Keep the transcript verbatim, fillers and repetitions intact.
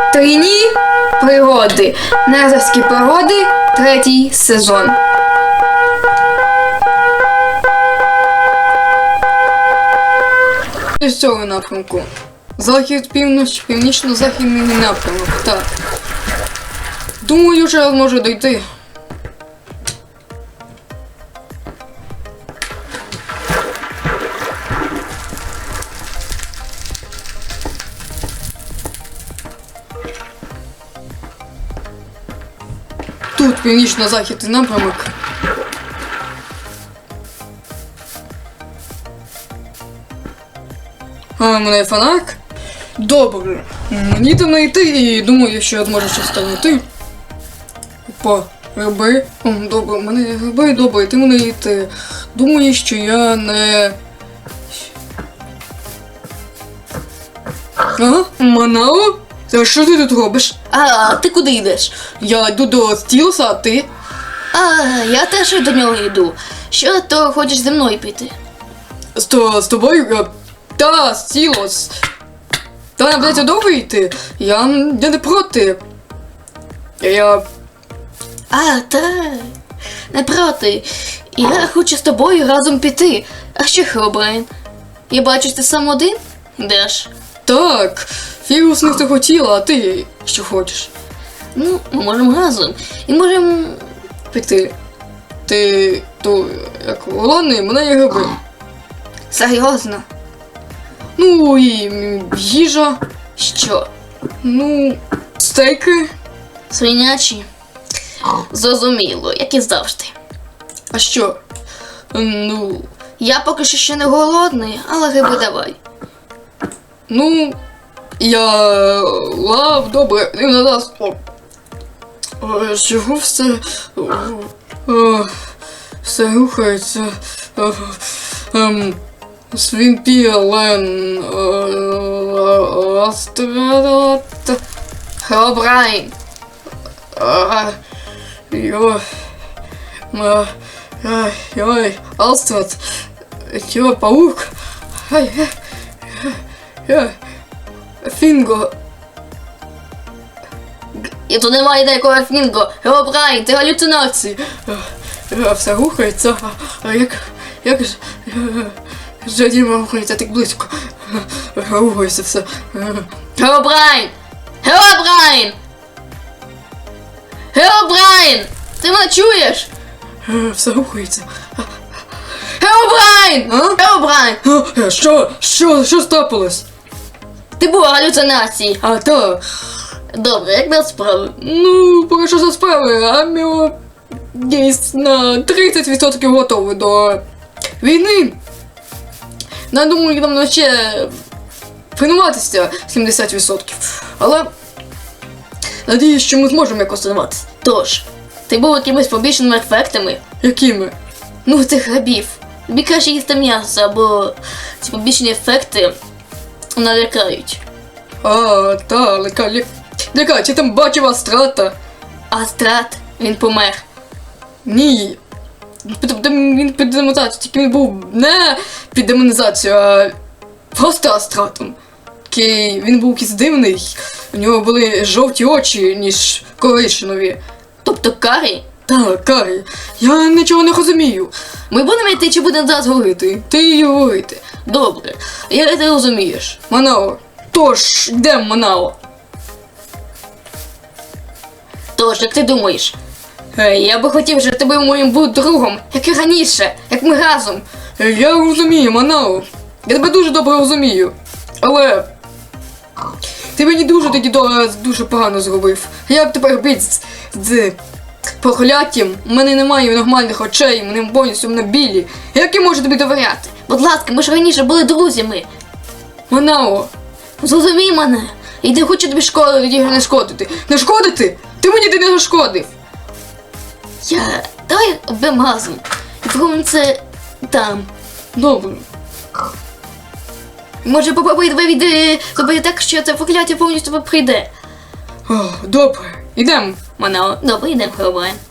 Трійні пригоди. Незерські пригоди. Третій сезон. З цього напрямку. Захід, північ, північно-західний напрямок. Так. Думаю, що я зможу дойти. Тут північно-західний напрямок. А, у мене є фонарик? Добре. Мені там знайти і думаю, що я зможу щось там знайти. Опа, гриби. О, добре, у мене є гриби, добре, ти мене йти. Думаю, що я не... А? Манао? Та що ти тут робиш? А, ти куди йдеш? Я йду до Стілса, а ти? А, я теж до нього йду. Що, то хочеш зі мною піти? З, то, з тобою? Я... Та, Стілос. Та, нам придеться довго йти. Я, я не проти. Я... А, так. Не проти. Я хочу з тобою разом піти. А що, Херобрайн? Я бачу, ти сам один? Йдеш? Так, Фірус не хотіла, а ти що хочеш? Ну, ми можемо разом. І можемо Піти. Ти, то, як голодний, мене є гриби. серйозно. Ну, і м, їжа. Що? Ну, стейки. Свинячі? Зрозуміло, як і завжди. А що? Ну, Я поки що ще не голодний, але гриби давай. ну, я лав, добре, і на нас. О, О, чого все, о, о, все рухається. О, ем, Свінпілен, Астралат, Херобрайн. йо, ма, ай, ой, Астрат, йо, паук, ай, ай, ай, Фінго. І тут немає ніякого фінго. Херобрайн, ти галюцинації. Е, Все рухається, а, а як, як ж, Жадіма рухається так близько, Е, рухається все. Е, Херобрайн! Херобрайн! Херобрайн! Ти мене чуєш? е, Все рухається. Херобрайн! А? Херобрайн! Е, Що, що, що стапилось? Ти був галюцинації. А, та, Добре, як без справи? ну, поки що за справи, а ми десь на тридцять відсотків готові до війни. Я думаю, нам ще тренуватися сімдесят відсотків. Але надіюсь, що ми зможемо якось тренуватися. Тож, ти був якимись побічними ефектами? Якими? Ну, цих грибів. Тобі краще їсти м'ясо, або ці побічні ефекти налякають. А, та, лека, лека, лека, чи там бачив Астрата? Астрат, він помер. Ні. Під- Він під демонізацію, тільки він був не під демонізацію, а просто Астратом. Такий, він був якийсь дивний, у нього були жовті очі, ніж коричневі. Тобто карі? Так, Карі, я нічого не розумію. Ми будемо йти чи будемо зараз говорити? Ти, ти її говорити. Добре, як ти розумієш? Манао. Тож, йдемо, Манао. Тож, як ти думаєш? Е, Я би хотів, щоб ти був моїм був другом, як і раніше, як ми разом. Е, Я розумію, Манао. Я тебе дуже добре розумію. Але ти мені дуже тоді до- дуже погано зробив. Як тепер бити з, з прокляттям? У мене немає нормальних очей, вони повністю мене білі. Як я можу тобі довіряти? Будь ласка, ми ж раніше були друзями. Манао, Зрозумій мене. І не хочу тобі шкоди не шкодити. не шкодити? Ти мені ти не зашкодив. Я... Давай обем разом. І зробимо це там. Добре. Може, попробуй тебе від... зробити так, що це прокляття повністю прийде. О, добре, ідемо. Манао, добре, йдемо, Херобрайн.